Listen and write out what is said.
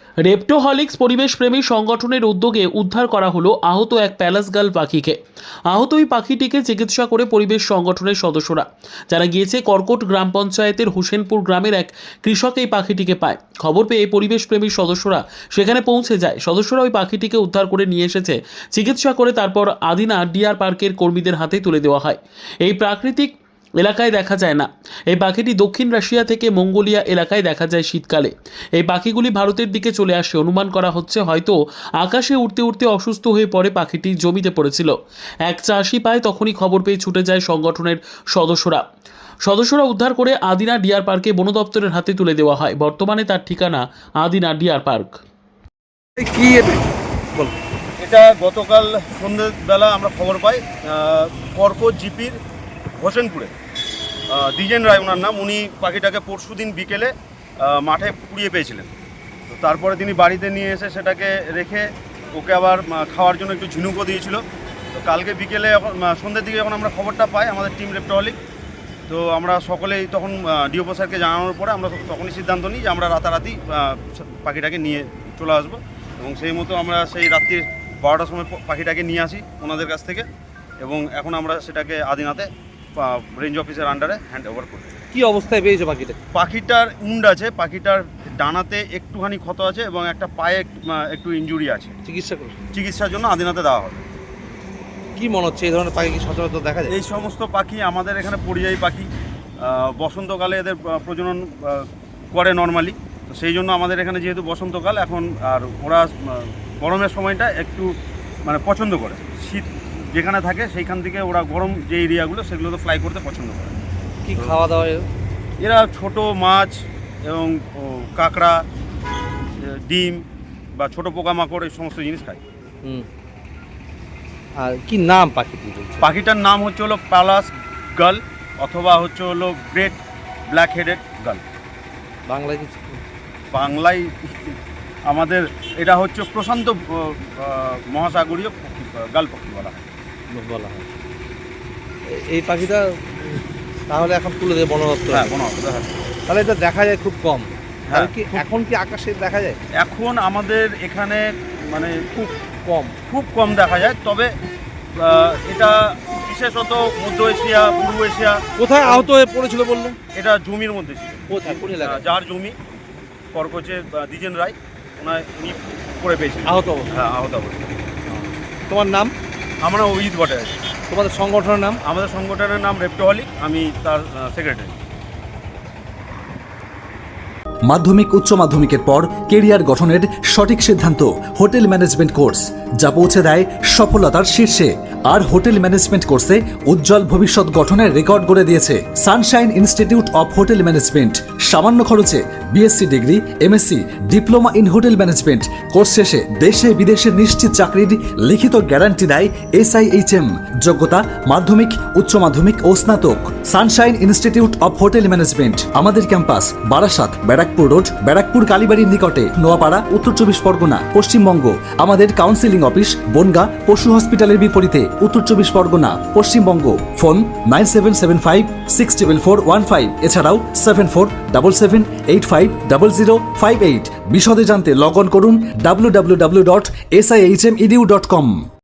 রেপ্টোহলিক্স পরিবেশপ্রেমী সংগঠনের উদ্যোগে উদ্ধার করা হলো আহত এক প্যালাসগাল পাখিকে। আহত ওই পাখিটিকে চিকিৎসা করে পরিবেশ সংগঠনের সদস্যরা, যারা গিয়েছে কর্কট গ্রাম পঞ্চায়েতের হোসেনপুর গ্রামের এক কৃষক এই পাখিটিকে পায়। খবর পেয়ে পরিবেশপ্রেমী সদস্যরা সেখানে পৌঁছে যায়। সদস্যরা ওই পাখিটিকে উদ্ধার করে নিয়ে এসেছে, চিকিৎসা করে তারপর আদিনা ডিয়ার পার্কের কর্মীদের হাতে তুলে দেওয়া হয়। এই প্রাকৃতিক এলাকায় দেখা যায় না। এই পাখিটি দক্ষিণ রাশিয়া থেকে মঙ্গোলিয়া এলাকায় দেখা যায় শীতকালে। এই পাখিগুলি ভারতের দিকে চলে আসে। অনুমান করা হচ্ছে হয়তো আকাশে উড়তে উড়তে অসুস্থ হয়ে পড়ে পাখিটি জমিতে পড়েছিল। এক চাষি পায়, তখনই খবর পেয়ে ছুটে যায় সংগঠনের সদস্যরা উদ্ধার করে আদিনা ডিয়ার পার্কে বন দপ্তরের হাতে তুলে দেওয়া হয়। বর্তমানে তার ঠিকানা আদিনা ডিয়ার পার্ক। কি এটা গতকাল সন্ধ্যেবেলা আমরা খবর পাই কর্কট জিপির হোসেনপুরে দ্বিজেন রায় ওনার নাম। উনি পাখিটাকে পরশুদিন বিকেলে মাঠে পুড়িয়ে পেয়েছিলেন। তো তারপরে তিনি বাড়িতে নিয়ে এসে সেটাকে রেখে ওকে আবার খাওয়ার জন্য একটু ঝিনুকও দিয়েছিল। তো কালকে বিকেলে সন্ধ্যের দিকে যখন আমরা খবরটা পাই আমাদের টিম রেপ্টোহলিক, তো আমরা সকলেই তখন ডিওপো স্যারকে জানানোর পরে আমরা তখনই সিদ্ধান্ত নিই যে আমরা রাতারাতি পাখিটাকে নিয়ে চলে আসবো। এবং সেই মতো আমরা সেই রাত্রি 12টার সময় পাখিটাকে নিয়ে আসি ওনাদের কাছ থেকে, এবং এখন আমরা সেটাকে আদিনাতে রেঞ্জ অফিসের আন্ডারে হ্যান্ড ওভার করি। কি অবস্থায় পেয়েছে পাখিটা? পাখিটার উন্ড আছে, পাখিটার ডানাতে একটুখানি ক্ষত আছে এবং একটা পায়ে একটু ইনজুরি আছে। চিকিৎসার জন্য আদিনাতে দেওয়া হবে। কি মনে হচ্ছে এই ধরনের পাখি কি সচরাচর দেখা যায়? এই সমস্ত পাখি আমাদের এখানে পরিযায়ী পাখি, বসন্তকালে এদের প্রজনন করে নর্মালি। তো সেই জন্য আমাদের এখানে যেহেতু বসন্তকাল এখন, আর ওরা গরমের সময়টা একটু পছন্দ করে। শীত যেখানে থাকে সেইখান থেকে ওরা গরম যে এরিয়াগুলো সেগুলোতে ফ্লাই করতে পছন্দ করে। কি খাওয়া দাওয়া এরা ছোট মাছ এবং কাঁকড়া, ডিম বা ছোট পোকামাকড় এই সমস্ত জিনিস খায়। আর কি নাম পাখিটির? পাখিটার নাম হচ্ছে হলো প্যালাস গাল অথবা হচ্ছে হলো গ্রেট ব্ল্যাক হেডেড গাল। বাংলায় কি? বাংলায় আমাদের এটা হচ্ছে প্রশান্ত মহাসাগরীয় পক্ষী, গাল পক্ষী বলা হয়। এই পাখিটা তাহলে এখন তুলে দেবে বন দপ্তর? হ্যাঁ, বন দপ্তর। তাহলে এটা দেখা যায় খুব কম। হ্যাঁ, কি এখন কি আকাশে দেখা যায়? এখন আমাদের এখানে খুব কম দেখা যায়। তবে এটা বিশেষত মধ্য এশিয়া, পূর্ব এশিয়া। কোথায় আহত হয়ে পড়েছিল বললেন? এটা জমির মধ্যে ছিল। যার জমি কর্কচে দ্বিজেন রায়, উনি করে পেয়েছিলেন আহত অবস্থা। হ্যাঁ, আহত অবস্থা। তোমার নাম? আমরা অভিজিৎ ভট্টাচার্য। তোমাদের সংগঠনের নাম? আমাদের সংগঠনের নাম রেপ্টোহলিক, আমি তার সেক্রেটারি। মাধ্যমিক উচ্চ মাধ্যমিকের পর কেরিয়ার গঠনের সঠিক সিদ্ধান্ত হোটেল ম্যানেজমেন্ট কোর্স, যা পৌঁছে দেয় সফলতার শীর্ষে। আর হোটেল ম্যানেজমেন্ট কোর্সে উজ্জ্বল ভবিষ্যৎ গঠনের রেকর্ড গড়ে দিয়েছে sunshine institute of hotel management. সামান্য খরচে BSc degree, MSc, diploma in hotel management course শেষে দেশে বিদেশে নিশ্চিত চাকরির লিখিত গ্যারান্টি দেয় SIHM। যোগ্যতা মাধ্যমিক, উচ্চ মাধ্যমিক ও স্নাতক। Sunshine institute of hotel management, আমাদের ক্যাম্পাস বারাসাত, ব্যারাকপুর রোড, ব্যারাকপুর কালীবাড়ির নিকটে, নোয়াপাড়া, উত্তর 24 পরগনা, পশ্চিমবঙ্গ। আমাদের কাউন্সিলিং অফিস বনগা পশু হসপিটালের বিপরীতে, উত্তর 24 পরগনা, পশ্চিমবঙ্গ। ফোন 9775604415, এছাড়াও 7477850058। বিশদে জানতে লগ অন করুন www.sihmedu.com।